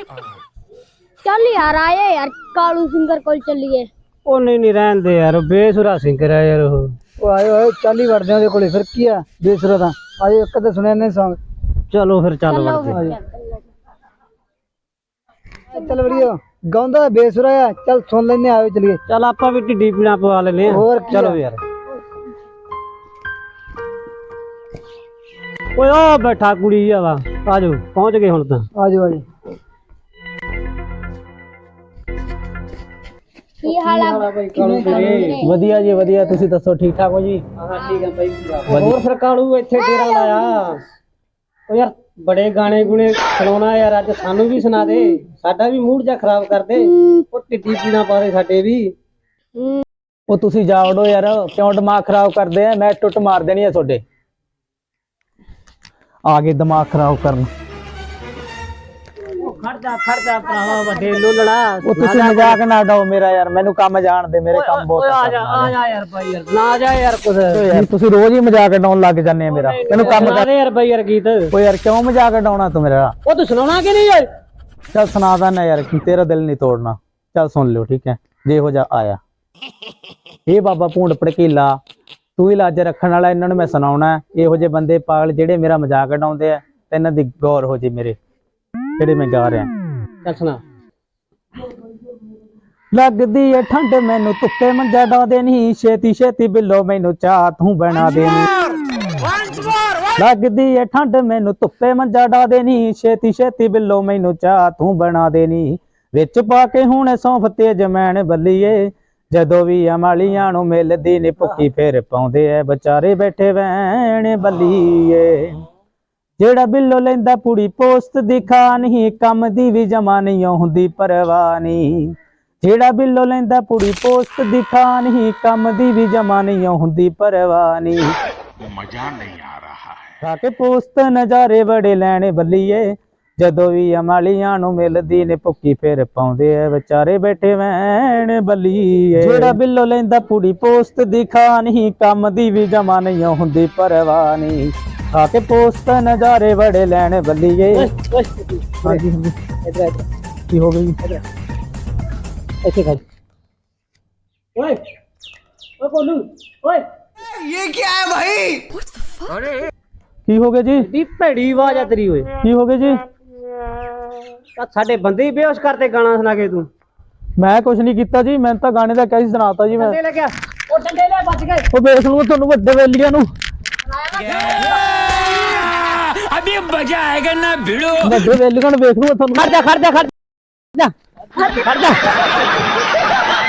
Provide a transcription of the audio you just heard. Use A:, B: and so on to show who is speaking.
A: चल यार आए यार कालू सिंगर कोल चलिए।
B: ਉਹ ਨਹੀਂ ਰਹਿਣ ਦੇ ਯਾਰ ਬੇਸੁਰਾ ਸਿੰਗਰ ਹੈ ਯਾਰ
C: ਉਹ ਆਏ ਚੱਲ ਹੀ ਵੜਦੇ ਉਹਦੇ ਕੋਲੇ ਫਿਰ ਕੀ ਆ ਬੇਸੁਰਾ ਦਾ ਆਏ ਇੱਕ ਤਾਂ ਸੁਣਿਆ ਨੇ ਸੌਂਗ
B: ਚਲੋ ਫਿਰ ਚੱਲ ਵੜਦੇ
C: ਚੱਲ ਵੜੀਓ ਗਾਉਂਦਾ ਬੇਸੁਰਾ ਆ ਚੱਲ ਸੁਣ ਲੈਨੇ ਆਇਓ ਚਲੀਏ
B: ਚੱਲ ਆਪਾਂ ਵੀ ਢਿੱਡੀ ਪੀਣਾ ਪਵਾ ਲੈਨੇ
C: ਹੋਰ ਕੀ
B: ਚਲੋ ਯਾਰ ਓਏ ਉਹ ਬੈਠਾ ਕੁੜੀ ਆ ਵਾ ਆਜੋ ਪਹੁੰਚ ਗਏ ਹੁਣ ਤਾਂ
C: ਆਜੋ ਆਜੋ
A: की हाल है
B: ਵਧੀਆ ਜੀ ਵਧੀਆ ਤੁਸੀਂ ਦੱਸੋ ਠੀਕ ਠਾਕ ਹੋ ਜੀ ਹਾਂ ਠੀਕ ਆ ਬਾਈ ਹੋਰ ਫਿਰ ਕਾਲੂ ਇੱਥੇ ਡੇਰਾ ਲਾਇਆ ਓ ਯਾਰ ਬੜੇ ਗਾਣੇ ਗੁਣੇ ਸੁਣਾਉਣਾ ਯਾਰ ਅੱਜ ਸਾਨੂੰ ਵੀ ਸੁਣਾ ਦੇ ਸਾਡਾ ਵੀ ਮੂਡ ਜਾ ਖਰਾਬ ਕਰ ਦੇ ਉਹ ਢਿੱਡੀ ਪੀਣਾ ਪਾ ਦੇ ਸਾਡੇ ਵੀ
D: ਉਹ ਤੁਸੀਂ ਜਾ ਵੜੋ ਯਾਰ ਕਿਉਂ ਦਿਮਾਗ ਖਰਾਬ ਕਰਦੇ ਆ ਮੈਂ ਟੁੱਟ ਮਾਰ ਦੇਣੀ ਆ ਤੁਹਾਡੇ ਆ ਗਏ ਦਿਮਾਗ ਖਰਾਬ ਕਰਨ
B: ਖੜਦਾ ਭਰਾਵਾ ਵੱਡੇ ਲੋਲੜਾ
D: ਉਹ ਤੁਸੀਂ ਮਜ਼ਾਕ ਨਾ ਡਾਓ ਮੇਰਾ ਯਾਰ ਮੈਨੂੰ ਕੰਮ ਜਾਣ ਦੇ ਮੇਰੇ ਕੰਮ ਬਹੁਤ
B: ਆ ਜਾ ਯਾਰ ਭਾਈ ਯਾਰ ਨਾ ਜਾ ਯਾਰ ਕੁਛ
D: ਯਾਰ ਤੁਸੀਂ ਰੋਜ਼ ਹੀ ਮਜ਼ਾਕ ਡਾਉਣ ਲੱਗ ਜਾਂਦੇ ਆ ਮੇਰਾ ਮੈਨੂੰ ਕੰਮ
B: ਕਰ ਯਾਰ ਭਾਈ ਯਾਰ ਗੀਤ
D: ਓ ਯਾਰ ਕਿਉਂ ਮਜ਼ਾਕ ਡਾਉਣਾ ਤੂੰ ਮੇਰਾ
B: ਉਹ ਤੂੰ ਸੁਣਾਉਣਾ ਕਿ ਨਹੀਂ ਯਾਰ
D: ਚੱਲ ਸੁਣਾ ਦਾਂ ਯਾਰ ਕਿ ਤੇਰਾ ਦਿਲ ਨਹੀਂ ਤੋੜਨਾ ਚੱਲ ਸੁਣ ਲਿਓ ਠੀਕ ਹੈ ਜੇ ਹੋ ਜਾ ਆਇਆ ਇਹ ਬਾਬਾ ਭੂੰਡ ਭੜਕੀਲਾ ਤੂੰ ਹੀ ਲਾਜ ਰੱਖਣ ਵਾਲਾ ਇਹਨਾਂ ਨੂੰ ਮੈਂ ਸੁਣਾਉਣਾ ਇਹੋ ਜਿਹੇ ਬੰਦੇ ਪਾਗਲ ਜਿਹੜੇ ਮੇਰਾ ਮਜ਼ਾਕ ਉਡਾਉਂਦੇ ਆ ਤੇ ਇਹਨਾਂ ਦੀ ਗੌਰ ਹੋ ਜੇ ਮੇਰੇ ਜਿਹੜੇ ਮੈਂ ਗਾ ਰਿਹਾ
B: ਚੱਲ ਸੁਣਾ
D: ਲੱਗਦੀ ਏ ਠੰਡ ਮੈਨੂੰ ਧੁੱਪੇ ਮੰਜਾ ਡਾ ਦੇਣੀ ਛੇਤੀ ਛੇਤੀ ਬਿੱਲੋ ਮੈਨੂੰ ਚਾਹ ਤੂੰ ਬਣਾ ਦੇਣੀ ਲੱਗਦੀ ਏ ਠੰਡ ਮੈਨੂੰ ਧੁੱਪੇ ਮੰਜਾ ਡਾ ਦੇਣੀ ਛੇਤੀ ਛੇਤੀ ਬਿੱਲੋ ਮੈਨੂੰ ਚਾਹ ਤੂੰ ਬਣਾ ਦੇਣੀ ਵਿੱਚ ਪਾ ਕੇ ਹੁਣ ਸੌਂਫ ਤੇ ਜਮੈਣ ਬੱਲੀਏ ਜਦੋਂ ਵੀ ਅਮਾਲੀਆਂ ਨੂੰ ਮਿਲਦੀ ਨੀ ਭੁੱਕੀ ਫੇਰ ਪਾਉਂਦੇ ਐ ਵਿਚਾਰੇ ਬੈਠੇ ਵੈਣ ਬੱਲੀਏ ਜਿਹੜਾ ਬਿੱਲੋ ਲੈਂਦਾ ਪੁੜੀ ਪੋਸਟ ਦਿਖਾ ਨਹੀਂ ਕੰਮ ਦੀ ਵੀ ਜਮਾ ਨਹੀਂ ਹੁੰਦੀ ਪਰਵਾਹ ਨਹੀਂ ਜਿਹੜਾ ਬਿੱਲੋ ਲੈਂਦਾ ਪੁੜੀ ਪੋਸਟ ਦਿਖਾ ਨਹੀਂ ਕੰਮ ਦੀ ਵੀ ਜਮਾ ਨਹੀਂ ਹੁੰਦੀ ਪਰਵਾਹ ਨਹੀਂ
E: मजा नहीं आ रहा है
D: ਖਾ ਕੇ ਪੋਸਟ ਨਜ਼ਾਰੇ ਬੜੇ ਲੈਣੇ ਬੱਲੀਏ ਜਦੋਂ ਵੀ ਅਮਾਲੀਆਂ ਨੂੰ ਮਿਲਦੀ ਨੇ ਭੁੱਕੀ ਫੇਰ ਪਾਉਂਦੇ ਐ ਵਿਚਾਰੇ ਬੈਠੇ ਵੈਣ ਬੱਲੀਏ ਜਿਹੜਾ ਬਿੱਲੋ ਲੈਂਦਾ ਪੁੜੀ ਪੋਸਟ ਦਿਖਾ ਨਹੀਂ ਕੰਮ ਦੀ ਵੀ ਜਮਾ ਨਹੀਂ ਹੁੰਦੀ ਪਰਵਾਹ ਨਹੀਂ ਖਾ ਕੇ ਪੋਸਟ ਨਜ਼ਾਰੇ ਬੜੇ ਲੈਣੇ ਬੱਲੀਏ ਹਾਂਜੀ ਹਾਂਜੀ ਕੀ ਹੋ ਗਈ
B: ਇੱਥੇ ਖੜ ਓਏ ਓ ਕੋਲੂ ਓਏ
D: ਕੀ ਹੋ ਗਿਆ ਜੀ
B: ਦੀ ਭੈੜੀ ਆਵਾਜ਼ ਆ ਤੇਰੀ ਓਏ
D: ਕੀ ਹੋ ਗਿਆ ਜੀ
B: ਆ ਸਾਡੇ ਬੰਦੇ ਹੀ ਬੇਹੋਸ਼ ਕਰਤੇ ਗਾਣਾ ਸੁਣਾ ਕੇ ਤੂੰ
D: ਮੈਂ ਕੁਛ ਨਹੀਂ ਕੀਤਾ ਜੀ ਮੈਂ ਤਾਂ ਗਾਣੇ ਦਾ ਕਹਿ ਸੁਣਾਤਾ ਜੀ ਮੈਂ
B: ਡੰਡੇ ਲੈ ਗਿਆ ਉਹ ਡੰਡੇ ਲੈ ਬਚ ਗਏ
D: ਉਹ ਵੇਖ ਲੂ ਤੁਹਾਨੂੰ ਵੱਡੇ ਵੇਲੀਆਂ ਨੂੰ
E: अभी मजा आएगा ना भिड़ो
D: ਵੱਡੇ ਵੇਲੀਆਂ ਨੂੰ ਵੇਖ ਲੂ ਤੁਹਾਨੂੰ
B: ਖੜ ਜਾ